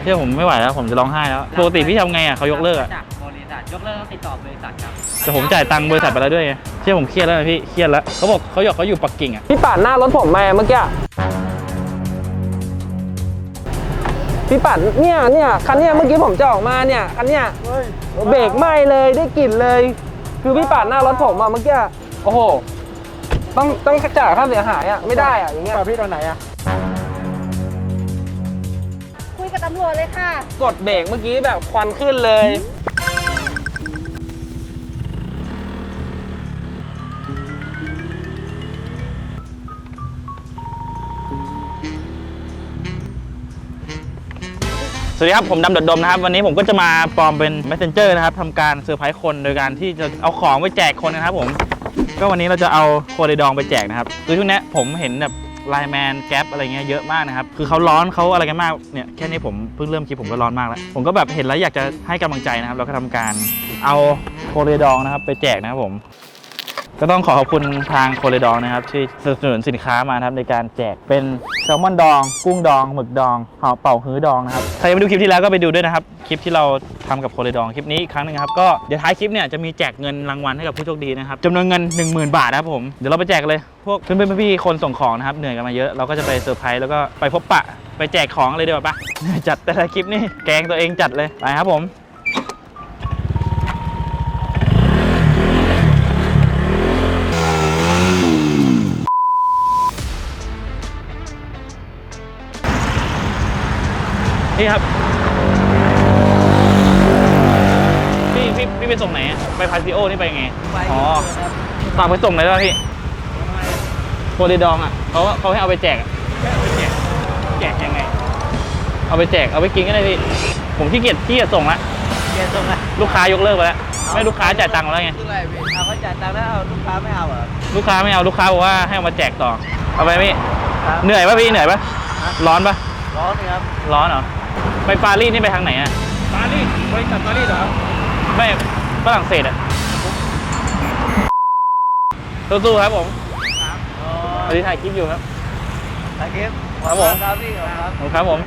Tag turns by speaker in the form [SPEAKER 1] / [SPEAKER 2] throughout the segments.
[SPEAKER 1] เชื่อผมไม่ไหวแล้วผมจะร้องไห้แล้วปกติพี่ทำไงอ่ะเขายกเลิกอ่ะ
[SPEAKER 2] จากบริษัทยกเลิกต้องติดต่อบริษัทครับ
[SPEAKER 1] แต่ผมจ่ายตังค์บริษัทไปแล้วด้วยไงเชื่อผมเครียดแล้วนะพี่เครียดแล้วเขาบอกเขาอยู่ปักกิ่งอ่ะ
[SPEAKER 3] พี่ปาดหน้ารถผมมาเมื่อกี้พี่ปาดเนี่ยคันเนี้ยเมื่อกี้ผมจะออกมาเนี่ยคันเนี้ยเบรกไหม้เลยได้กลิ่นเลย คือพี่ปาดหน้ารถผมมาเมื่อกี้โอ้โหต้องจ่ายค่าเสียหายอ่ะไม่ได้อ่ะอย่างเงี้ยพี่ตอนไหนอ่ะ
[SPEAKER 4] คุยกับตำรวจเลยค่ะ
[SPEAKER 3] กดเบรกเมื่อกี้แบบควันขึ้นเลย
[SPEAKER 1] สวัสดีครับผมดำดมนะครับวันนี้ผมก็จะมาปลอมเป็น Messenger นะครับทำการเซอร์ไพรส์คนโดยการที่จะเอาของไปแจกคนนะครับผมก็วันนี้เราจะเอาโคเรดองไปแจกนะครับคือช่วงนี้ผมเห็นแบบไลน์แมนแก๊ปอะไรเงี้ยเยอะมากนะครับคือเขาร้อนเขาอะไรกันมากเนี่ยแค่นี้ผมเพิ่งเริ่มคลิปผมก็ร้อนมากแล้วผมก็แบบเห็นแล้วอยากจะให้กำลังใจนะครับเราก็ทำการเอาโคเรดองนะครับไปแจกนะครับผมก็ต้องขอบคุณทางโคเรดองนะครับที่สนับสนุนสินค้ามานะครับในการแจกเป็นแซลมอนดองกุ้งดองหมึกดองห่อเป่าฮื้อดองนะครับใครยังไม่ดูคลิปที่แล้วก็ไปดูด้วยนะครับคลิปที่เราทำกับโคเรดองคลิปนี้อีกครั้งนึงครับก็เดี๋ยวท้ายคลิปเนี่ยจะมีแจกเงินรางวัลให้กับผู้โชคดีนะครับจำนวนเงิน 10,000 บาทนะครับผมเดี๋ยวเราไปแจกเลยพวกเพื่อนๆพี่ๆคนส่งของนะครับเหนื่อยกันมาเยอะเราก็จะไปเซอร์ไพรส์แล้วก็ไปพบปะไปแจกของเลยดีกว่าปะจัดแต่ละคลิปนี่แกงตัวเองจัดเลยไปครับผมนี่ครับพี่ไปส่งไหนไปพาซิโอนี่ไปไงอ๋อฝากไปส่งเลยได้ป่ะพี่โคเรดองอ่ะเขาให้เอาไปแจกแจกยังไงเอาไปแจกเอาไปกินก็ได้พี่ผมขี้เกียจส่งละลูกค้ายกเลิกไปแล้วไม่ลูกค้าจ่ายตังค์แล้วไง
[SPEAKER 2] เอาเขาจ่ายตังค์แล้วเอาลูกค้าไม่เอาเหรอ
[SPEAKER 1] ลูกค้าไม่เอาลูกค้าบอกว่าให้เอามาแจกต่อเอาไปพี่เหนื่อยป่ะพี่เหนื่อยป่ะร้อนป่ะ
[SPEAKER 2] ร้อนครับ
[SPEAKER 1] ร้อนเหรอไปปารีสนี่ไปทางไหนอะ
[SPEAKER 2] ปารีสบริษัทปารีสเหรอ
[SPEAKER 1] ไม่ฝรั่งเศสอะสู้ๆครับผมตอนนี้ถ่ายคลิปอยู่ครับ
[SPEAKER 2] ถ่ายคลิป
[SPEAKER 1] ครับผม
[SPEAKER 2] ครับพี่
[SPEAKER 1] ครับผม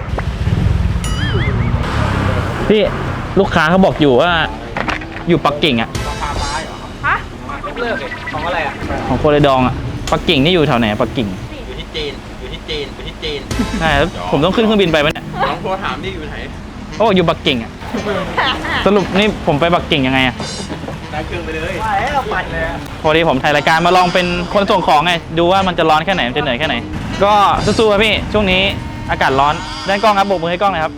[SPEAKER 1] พี่ลูกค้าเขาบอกอยู่ว่าอยู่ปักกิ่งอะ
[SPEAKER 2] ราคาไม้เหรอฮะยกเลิกของอะไรอะ
[SPEAKER 1] ของโคเรดองอะปักกิ่งนี่อยู่แถวไหนปักกิ่ง
[SPEAKER 2] อยู่ที่จีน
[SPEAKER 1] ใช่แล้วผมต้องขึ้นเครื่องบินไปไหมเนี่ย
[SPEAKER 2] ลองโทรถามดิอยู่ไหน
[SPEAKER 1] เขาบอกอยู่ปักกิ่งอะสรุปนี่ผมไปปักกิ่งยังไงอะ
[SPEAKER 2] ได้เครื่องไปเลยไปเราปั่นเลย
[SPEAKER 1] พอดีผมถ่ายรายการมาลองเป็นคนส่งของไงดูว่ามันจะร้อนแค่ไหนมันจะเหนื่อยแค่ไหนก็สู้ๆครับพี่ช่วงนี้อากาศร้อนด้านกล้องครับโบกมือให้กล้องเลยครับ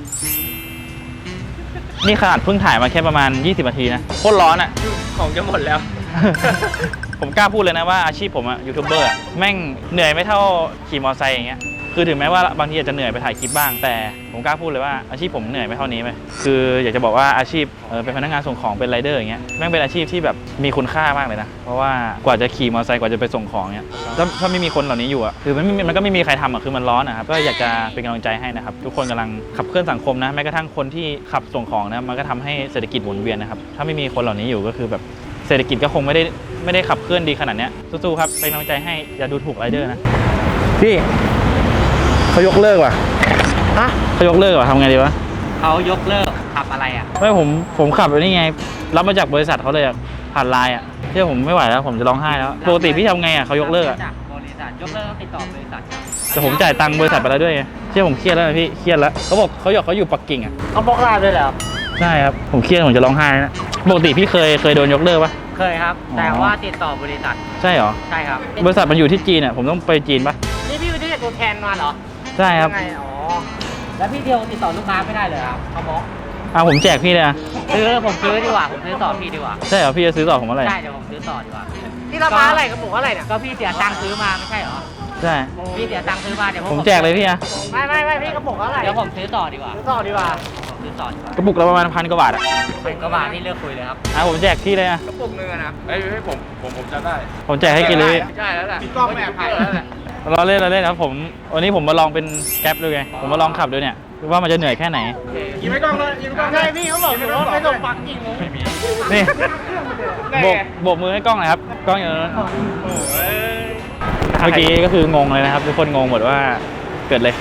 [SPEAKER 1] นี่ขนาดเพิ่งถ่ายมาแค่ประมาณ20 นาทีนะโคตรร้อนอะ
[SPEAKER 2] ของจะหมดแล้ว
[SPEAKER 1] ผมกล้าพูดเลยนะว่าอาชีพผมอะยูทูบเบอร์แม่งเหนื่อยไม่เท่าขี่มอเตอร์ไซค์อย่างเงี้ยคือถึงแม้ว่าบางทีอาจจะเหนื่อยไปถ่ายคลิปบ้างแต่ผมกล้าพูดเลยว่าอาชีพผมเหนื่อยไม่เท่านี้ไหมคืออยากจะบอกว่าอาชีพเป็นพนักงานส่งของเป็นไรเดอร์อย่างเงี้ยแม่งเป็นอาชีพที่แบบมีคุณค่ามากเลยนะเพราะว่ากว่าจะขี่มอเตอร์ไซค์กว่าจะไปส่งของเนี้ยถ้าไม่มีคนเหล่านี้อยู่อะคือมันก็ไม่มีใครทำอะคือมันร้อนนะครับก็อยากจะเป็นกำลังใจให้นะครับทุกคนกำลังขับเคลื่อนสังคมนะแม้กระทั่งคนที่ขับส่งของนะมันก็ทำให้เศรษฐกิจหมุนเวียนนะครับถ้าไม่มีคนเหล่านี้อยู่ก็คือแบบเศรษฐกิจก็คงไม่ได้ขับเคลื่อนดีขนาดนี้สู้ๆครับเป็นกำลังใจให้อย่าดูถูกไรเดอร์นะพี่เขายกเลิกว่ะ
[SPEAKER 2] ฮะ
[SPEAKER 1] เขายกเลิกว่ะทำไงดีวะ
[SPEAKER 2] เขายกเลิกขับอะไรอ่ะ
[SPEAKER 1] ไม่ผมขับนี่ไงรับมาจากบริษัทเขาเลยอ่ะผ่านไลน์อ่ะเชื่อผมไม่ไหวแล้วผมจะร้องไห้แล้วปกติพี่ทำไงอ่ะเขายกเลิกอ่ะ
[SPEAKER 2] จากบริษัทยกเลิกต้องติดต่อบริษัท
[SPEAKER 1] แต่ผมจ่ายตังค์บริษัทไปแล้วด้วยเชื่อผมเครียดแล้วนะพี่เครียดแล้วเขาบอกเขาอยู่ปักกิ่งอ่ะ
[SPEAKER 2] เขาบล็อกไลน์ด้วยเหรอ
[SPEAKER 1] ใช่ครับผมเครียดผมจะร้องไห้นะปกติพี่เคยโดนยกเลิกปะ
[SPEAKER 2] เคยครับแต่ว่าติดต่อบริษัท
[SPEAKER 1] ใช่เหรอ
[SPEAKER 2] ใช่ครับ
[SPEAKER 1] บริษัทมันอยู่ที่จีนอ่ะผมต้องไปจีนปะ
[SPEAKER 2] นี่พี่ไปที่ตัวแทนมาเหรอ
[SPEAKER 1] ใช่ครับ
[SPEAKER 2] อ๋อแล้วพี่เดียวติดต่อลูกค้าไม่ได้เลยครับเขาบอก
[SPEAKER 1] ผมแจกพี่เลยนะ
[SPEAKER 2] ผมซื้อดีกว่าผมซื้อต่อพี่ดีกว่า
[SPEAKER 1] ใช่เหรอพี่จะซื้อต่อผมอะไร
[SPEAKER 2] ใช่เดี๋ยวผมซื้อต่อดีกว่าที่ราคาอะไรกระปุกอะไรเนี่ยก็พี่เสียตังค์ซื้อมาไม่ใช่เหรอ
[SPEAKER 1] ใช่
[SPEAKER 2] พี่เสียตังค์ซื้อมาเดี๋ยว
[SPEAKER 1] ผมแจกเลยพี่อะ
[SPEAKER 2] ไม่พี่กระปุกอะไรเดี๋ยวผมซื้อต่อดีกว่าซื้อต่อดีกว่าก
[SPEAKER 1] ระปุกละประมาณ1,000 กว่าบาทอะ
[SPEAKER 2] 1,000 กว่าบาทนี่เลือกคุยเลยครับ
[SPEAKER 1] ผมแจกพี่เลยอะ
[SPEAKER 2] กระปุกนึงนะผมจะได้
[SPEAKER 1] ผมแจกให้กินเลย
[SPEAKER 2] ใช่แล้วแหละพี่ก้องแอบถ่ายแล้วแหละ
[SPEAKER 1] เราเล่นครับผมวันนี้ผมมาลองเป็นแก๊ปดูไงผมมาลองขับดูเนี่ยว่ามันจะเหนื่อยแค่ไหน
[SPEAKER 2] ยิงไม่กล้องเลยยิงไม่กล้องใช่พี่เขาบอกอยู่ว่าไม่ต้องปักกิ่ง
[SPEAKER 1] ไม่มีนี่โบกมือให้กล้องหน่อยครับกล้องอยู่นั้นเมื่อกี้ก็คืองงเลยนะครับทุกคนงงหมดว่าเกิดอะไรขึ้นผ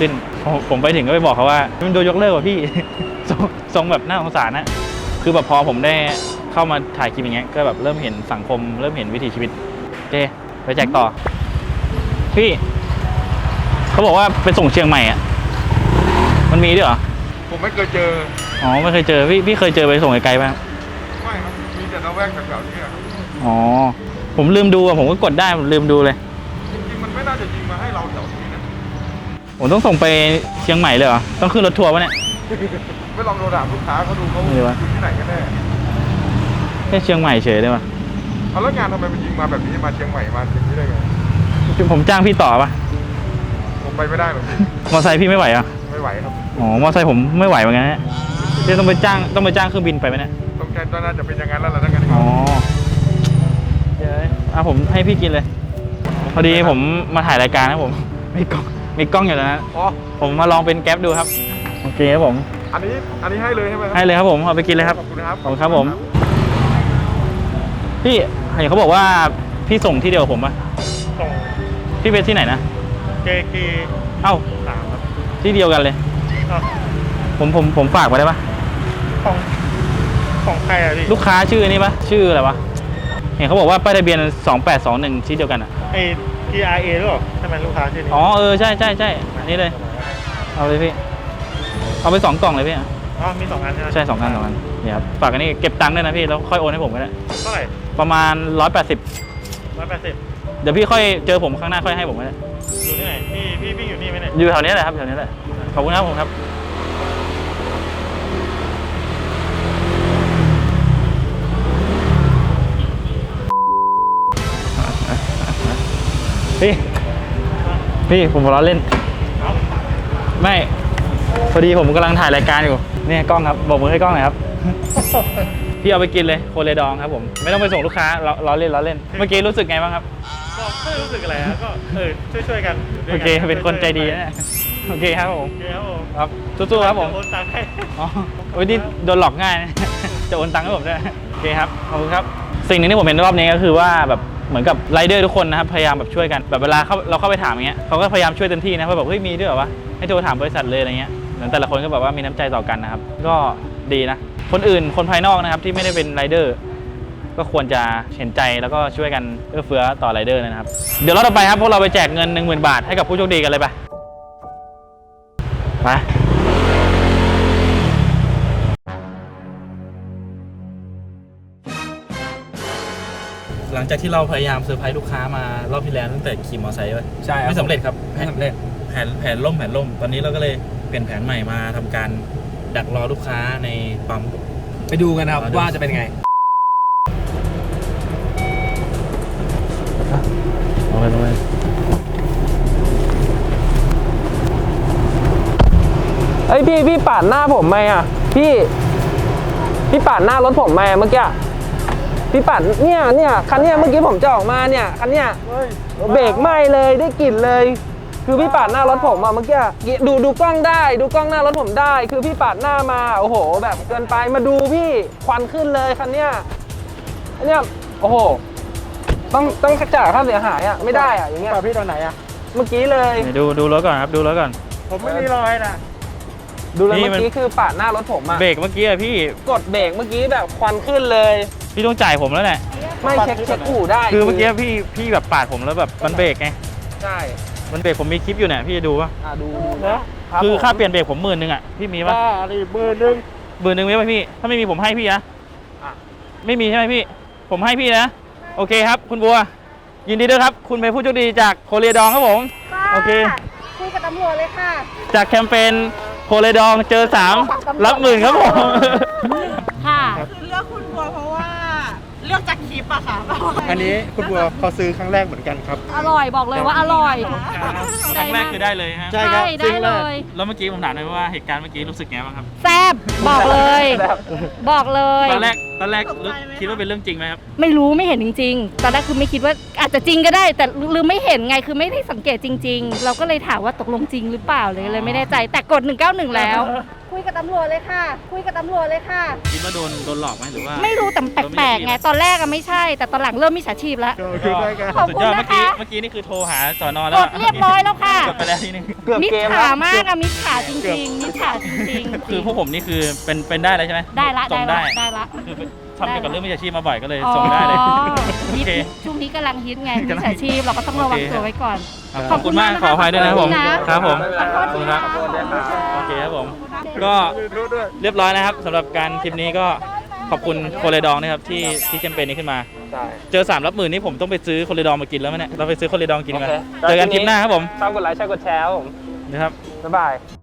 [SPEAKER 1] ผมไปถึงก็ไปบอกเขาว่ามันโดนยกเลิกว่ะพี่ ทรงแบบน่าสงสารนะคือแบบพอผมได้เข้ามาถ่ายคลิปอย่างเงี้ยก็แบบเริ่มเห็นสังคมเริ่มเห็นวิถีชีวิตโอเคไปแจกต่อพี่เขาบอกว่าไปส่งเชียงใหม่อ่ะมันมีด้วยเหรอ
[SPEAKER 5] ผมไม่เคยเจอ
[SPEAKER 1] อ๋อไม่เคยเจอพี่เคยเจอไปส่งไกลๆบ้าง
[SPEAKER 5] ไม่ครับ มีแต่ละแวกแถวๆนี้ครับ
[SPEAKER 1] อ๋อผมลืมดูอ่ะผมก็กดได้ผมลืมดูเลย
[SPEAKER 5] จริงๆมันไม่น่าจะยิงมาให้เราแถวนี้นะ
[SPEAKER 1] ผมต้องส่งไปเชียงใหม่เลยเหรอต้องขึ้นรถทัวร์ปะเนี่ย
[SPEAKER 5] ไม่ลองโทรถามลูกค้าเขาดูเขา
[SPEAKER 1] ไม่รู้วะ
[SPEAKER 5] อยู่ที่ไหนกันแน่
[SPEAKER 1] แค่เชียงใหม่เฉยได้ปะ
[SPEAKER 5] เอาแล้วงานทำไมมันยิงมาแบบนี้มาเชียงใหม่มาอย่างนี้ได้ไง
[SPEAKER 1] ผมจ้างพี่ต่อปะ
[SPEAKER 5] ผมไปไม่ได้หรอกพี่
[SPEAKER 1] มอไซค์พี่ไม่ไหวอ่ะ
[SPEAKER 5] ไม่ไหวครับ
[SPEAKER 1] อ๋อมอไซค์ผมไม่ไหวเหมือนกันนะพี่ต้องไปจ้างเครื่องบินไปไหมเนี่ย
[SPEAKER 5] ต้องน่าจะเป็นอย่างนั้นแล้วล่ะถ้างั้น
[SPEAKER 1] อ๋อเดี๋ยวผมให้พี่กินเลย พอดีผมมาถ่ายรายการนะผม มีกล้องอยู่แล้วนะ
[SPEAKER 5] อ๋อ
[SPEAKER 1] ผมมาลองเป็นแก๊ปดูครับ โอเคครับผม
[SPEAKER 5] อันนี้ให้เลยใช่ไหมครั
[SPEAKER 1] ให้เลยครับผม เอาไปกินเลยครับ
[SPEAKER 5] ขอบคุณครับ
[SPEAKER 1] ขอบคุณครับผม พี่เห็นเขาบอกว่าพี่ส่งที่เดียวกับผมปะ
[SPEAKER 6] ส่ง
[SPEAKER 1] พี่เป็นที่ไหนนะ
[SPEAKER 6] JK
[SPEAKER 1] เอ้า
[SPEAKER 6] 3ครับ
[SPEAKER 1] ที่เดียวกันเลย
[SPEAKER 6] อ้าว
[SPEAKER 1] ผมฝากไว้ได้ปะ
[SPEAKER 6] ของใครอะพี่
[SPEAKER 1] ลูกค้าชื่อนี้ปะชื่ออะไรวะ เห็นเขาบอกว่าป้ายทะเบียน2821ที่เดียวกันอ่ะ
[SPEAKER 6] ไอ้ TRA หรือเปล่าทำไมลูกค้าชื่อนี้
[SPEAKER 1] อ๋อใช่อันนี้เลย เอาเลยพี่ เอาไป2 กล่องเลยพี่
[SPEAKER 6] อ๋อมี2อันใช่ไหม
[SPEAKER 1] ใช่2 อันนี่ครับฝากอันนี้เก็บตังค์ด้วยนะพี่แล้วค่อยโอนให้ผมก็ได้
[SPEAKER 6] เท่าไหร่
[SPEAKER 1] ประมาณ180
[SPEAKER 6] 180
[SPEAKER 1] เดี๋ยวพี่ค่อยเจอผมข้างหน้าค่อยให้ผมก็ได้
[SPEAKER 6] อยู่ที่ไหนพี่อยู่นี่ไหมเนี่ย
[SPEAKER 1] อยู่แถวนี้แหละครับแถวนี้แหละขอบคุณครับผมครับพี่ผมล้อเล่น
[SPEAKER 6] เอ้า
[SPEAKER 1] ไม่พอดีผมกำลังถ่ายรายการอยู่เนี่ยกล้องครับบอกมือให้กล้องหน่อยครับ พี่เอาไปกินเลยโคเรดองครับผมไม่ต้องไปส่งลูกค้าล้อเล่นเมื่อกี้รู้สึกไงบ้างครับ
[SPEAKER 6] ก็ไม่รู้สึกอะไรนะก็ช่วยกันยู่
[SPEAKER 1] โอ
[SPEAKER 6] ด้วย
[SPEAKER 1] เค
[SPEAKER 6] กั
[SPEAKER 1] เป็นคนใจดีนะเนี่ยโอเคครับผม
[SPEAKER 6] โอเคครับผม
[SPEAKER 1] ครับสู้ๆครับผม
[SPEAKER 6] โอนตังค์ให้
[SPEAKER 1] อ๋อโอ้ยนี่โดนหลอกง่ายนะ จะโอนตังค์ให้ผมด้วยโอเคครับขอบคุณครับสิ่งหนึงที่ผมเห็นรอบนี้ก็คือว่าแบบเหมือนกับไรเดอร์ทุกคนนะครับพยายามแบบช่วยกันแบบเวลาเราเข้าไปถามอย่างเงี้ยเขาก็พยายามช่วยเต็มที่นะเพราะแบบเฮ้ยมีด้วยเหรอวะให้โทรถามบริษัทเลยอะไรเงี้ยเหมือนแต่ละคนก็แบบว่ามีน้ำใจต่อกันนะครับก็ดีนะคนภายนอกนะครับที่ไม่ได้เป็นไรเดอร์ก็ควรจะเห็นใจแล้วก็ช่วยกันเอื้อเฟื้อต่อไรเดอร์นะครับเดี๋ยวเราต่อไปครับพวกเราไปแจกเงิน 10,000 บาทให้กับผู้โชคดีกันเลยไปหลังจากที่เราพยายามเซอร์ไพรส์ลูกค้ามารอบที่แล้วตั้งแต่ขี่มอเตอร์ไซค์ไว้
[SPEAKER 3] ใช่ครับ
[SPEAKER 1] ไม่สำเร็จครับ
[SPEAKER 3] ไม่สำเร็จ
[SPEAKER 1] แผนล่มตอนนี้เราก็เลยเปลี่ยนแผนใหม่มาทำการดักรอลูกค้าในปั๊ม
[SPEAKER 3] ไปดูกันนะครับว่าจะเป็นไง
[SPEAKER 1] เอาไป
[SPEAKER 3] เอ้ยพี่ปาดหน้าผมไหมอ่ะพี่ปาดหน้ารถผมไหมเมื่อกี้พี่ปาดเนี่ยคันเนี้ยเมื่อกี้ผมจะออกมาเนี่ยคันเนี้ยเบรกไหม้เลยได้กลิ่นเลย คือพี่ปาดหน้ารถผมอ่ะเมื่อกี้ดูกล้องได้ดูกล้องหน้ารถผมได้ คือพี่ปาดหน้ามาโอ้โหแบบเกินไปมาดูพี่ควันขึ้นเลยคันเนี้ยอันเนี้ยโอ้โหต้องจ่ายค่าเสียหายอ่ะไม่ได้อ่ะอย่างเงี้ย
[SPEAKER 6] พี่ตอนไหนอะ
[SPEAKER 3] เมื่อกี้เลย
[SPEAKER 1] ดูรถก่อนครับดูรถก่อน
[SPEAKER 6] ผมไม่มีรอยนะ
[SPEAKER 3] ดูเลย
[SPEAKER 1] นี่
[SPEAKER 3] เมื่อกี้คือปาดหน้ารถผมอ่ะ
[SPEAKER 1] เบรกเมื่อกี้อะพี่
[SPEAKER 3] กดเบรกเมื่อกี้แบบควันขึ้นเลย
[SPEAKER 1] พี่ต้องจ่ายผมแล้วแหละ
[SPEAKER 3] ไม่เช็คอู่ได้
[SPEAKER 1] คือเมื่อกี้พี่แบบปาดผมแล้วแบบมันเบรกไง
[SPEAKER 3] ใช่
[SPEAKER 1] มันเบรกผมมีคลิปอยู่เนี่ยพี่จะดูป่ะ
[SPEAKER 3] ดู
[SPEAKER 6] นะ
[SPEAKER 1] คือค่าเปลี่ยนเบรกผม10,000อ่ะพี่มีป่ะ
[SPEAKER 6] บ้าอะไร10,000
[SPEAKER 1] 10,000มีป่ะพี่ถ้าไม่มีผมให้พี่นะไม่มีใช่ไหมพี่ผมให้พี่นะโอเคครับคุณบัวยินดีด้วยครับคุณเป็นผู้โชคดีจากโคเรียดองครับผม โอเค
[SPEAKER 4] คุยกับตำรวจเลยค่ะ
[SPEAKER 1] จากแคมเปญโคเรดองเจอ3รับ10,000ครับผม
[SPEAKER 7] ค่ะ
[SPEAKER 8] คือเลือกคุณบัวเพราะว่าเลือกจากคลิปอะค่ะ
[SPEAKER 6] อันนี้คุณบัวเขาซื้อครั้งแรกเหมือนกันครับ
[SPEAKER 7] อร่อยบอกเลยว่าอร่อย
[SPEAKER 1] ครั้งแรกคือได้เลยฮะ
[SPEAKER 6] ใช่ครับ
[SPEAKER 7] ได้เลย
[SPEAKER 1] แล้วเมื่อกี้ผมถามเลยว่าเหตุการณ์เมื่อกี้รู้สึกไงบ้างครับ
[SPEAKER 7] แซ่บบอกเลย บอกเลย
[SPEAKER 1] ตอนแรกคิดว่าเป็นเรื่องจริงไหมครับ
[SPEAKER 7] ไม่รู้ไม่เห็นจริงๆ ตอนแรกคือไม่คิดว่าอาจจะจริงก็ได้ แต่ลืมไม่เห็นไงคือไม่ได้สังเกตจริง ๆ เราก็เลยถามว่าตกลงจริงหรือเปล่าเลยไม่แน่ใจแต่กด191แล้ว
[SPEAKER 4] คุยกับตำรวจเลยค่ะ คุยกับตำรวจเลยค่ะ
[SPEAKER 1] คิดว่าโดนหลอกไหมหรือว่า
[SPEAKER 7] ไม่รู้แต่แปลกๆไงตอนแรกอะไม่ใช่ แต่ตอนหลังเริ่มมิจฉาชีพแล้ว
[SPEAKER 6] คือได้กัน
[SPEAKER 7] ขอบ
[SPEAKER 1] สุด
[SPEAKER 7] คุณ
[SPEAKER 1] ยอด
[SPEAKER 7] นะ
[SPEAKER 1] เมื่
[SPEAKER 7] คะ
[SPEAKER 1] อกี้นี่คือโทรหาสอนอ
[SPEAKER 7] ก
[SPEAKER 1] แล้ว
[SPEAKER 7] ดเรียบร้อยแล้วค่ะ
[SPEAKER 1] กดไปแล้วทีนึง
[SPEAKER 3] เกือบ
[SPEAKER 7] มิจ
[SPEAKER 3] เกม
[SPEAKER 7] ฉา
[SPEAKER 3] แล้ว
[SPEAKER 7] มากอะมิจฉาจริงๆมิจฉาจริงๆ
[SPEAKER 1] คือพวกผมนี่คือเป็นได้เลยใช่ไหม
[SPEAKER 7] ได้ละ
[SPEAKER 1] ส่
[SPEAKER 7] ได้
[SPEAKER 1] ง
[SPEAKER 7] ละได้ละ
[SPEAKER 1] คือทำเกี่ยวกับเรื่องมิจฉาชีพมาบ่อยก็เลยส่งได้เลย
[SPEAKER 7] อ๋อ
[SPEAKER 1] โอเค
[SPEAKER 7] ช่วงนี้กำลังฮิตไงมิจฉาชีพเราก็ต้องระวังตัวไว้ก่อน
[SPEAKER 1] ขอบคุณมากขออภัยด้วยนะครับผม ครับผม
[SPEAKER 7] ขอโทษทีนะ
[SPEAKER 1] โอเคครับผม ก็เรียบร้อยนะครับสำหรับการคลิปนี้ก็ขอบคุณโคเรดองนะครับที่แคมเปญนี้ขึ้นมา
[SPEAKER 3] ใช่
[SPEAKER 1] เจอ3 รับหมื่นนี่ผมต้องไปซื้อโคเรดองมากินแล้วมั้ยเนี่ยเราไปซื้อโคเรดองกินกัน
[SPEAKER 3] โอเค
[SPEAKER 1] เจอกันคลิปหน้าครับผม
[SPEAKER 3] ชอบกดไลค์ใช่กดแชร์ครับผม
[SPEAKER 1] นะครับ
[SPEAKER 3] บ๊ายบาย